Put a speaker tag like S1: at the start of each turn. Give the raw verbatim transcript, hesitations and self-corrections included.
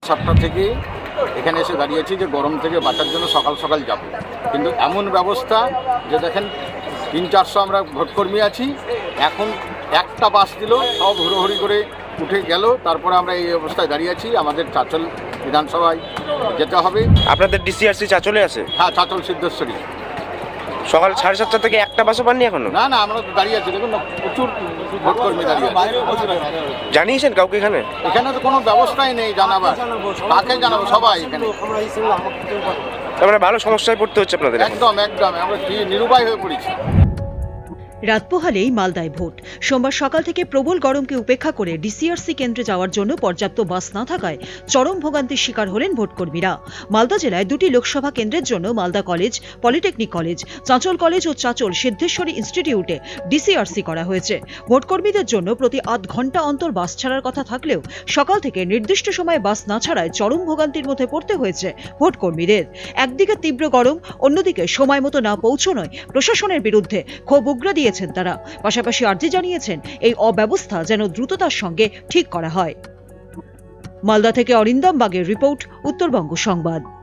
S1: সাতটা থেকে এখানে এসে দাঁড়িয়েছি যে গরম থেকে বাঁচার জন্য সকাল সকাল যাব, কিন্তু এমন ব্যবস্থা যে দেখেন তিন চারশো আমরা ভোটকর্মী আছি, এখন একটা বাস দিল, সব হুড়োহুড়ি করে উঠে গেল, তারপরে আমরা এই অবস্থায় দাঁড়িয়ে আছি। আমাদের চাঁচল বিধানসভায় যেতে হবে।
S2: আপনাদের ডিসিআরসি চাচলে আছে?
S1: হ্যাঁ, চাঁচল সিদ্ধেশ্বরী।
S2: সকাল সাড়ে সাতটা থেকে একটা বাসও পাননি এখনো?
S1: না না, আমরা তো দাঁড়িয়ে আছি, দেখুন না, প্রচুর ভোটকর্মী দাঁড়িয়ে আছে।
S2: জানিয়েছেন কাউকে এখানে?
S1: এখানে তো কোনো ব্যবস্থাই নেই জানাবার, কাকে জানাবো? সবাই এখানে
S2: তার মানে ভালো সমস্যায় পড়তে হচ্ছে আপনাদের এখন।
S1: একদম একদম আমরা কি নিরুপায় হয়ে পড়েছি।
S3: রাত পোহালেই মালদায় ভোট। সোমবার সকাল থেকে প্রবল গরমকে উপেক্ষা করে ডিসিআরসি কেন্দ্রে যাওয়ার জন্য পর্যাপ্ত বাস না থাকায় চরম ভোগান্তির শিকার হলেন ভোটকর্মীরা। মালদা জেলায় দুটি লোকসভা কেন্দ্রের জন্য Malda college, polytechnic college, Chanchal college ও চাঁচল সিদ্ধেশ্বরী ইনস্টিটিউটে ডিসিআরসি করা হয়েছে। ভোটকর্মীদের জন্য প্রতি আধ ঘন্টা অন্তর বাস ছাড়ার কথা থাকলেও সকাল থেকে নির্দিষ্ট সময়ে বাস না ছাড়ায় চরম ভোগান্তির মধ্যে পড়তে হয়েছে ভোটকর্মীদের। একদিকে তীব্র গরম, অন্যদিকে সময় মতো না পৌঁছনোয় প্রশাসনের বিরুদ্ধে ক্ষোভ উগরে দিয়ে তারা পাশাপাশি আর্জি জানিয়েছেন এই অব্যবস্থা যেন দ্রুততার সঙ্গে ঠিক করা হয়। মালদা থেকে অরিন্দম বাগের রিপোর্ট, উত্তরবঙ্গ সংবাদ।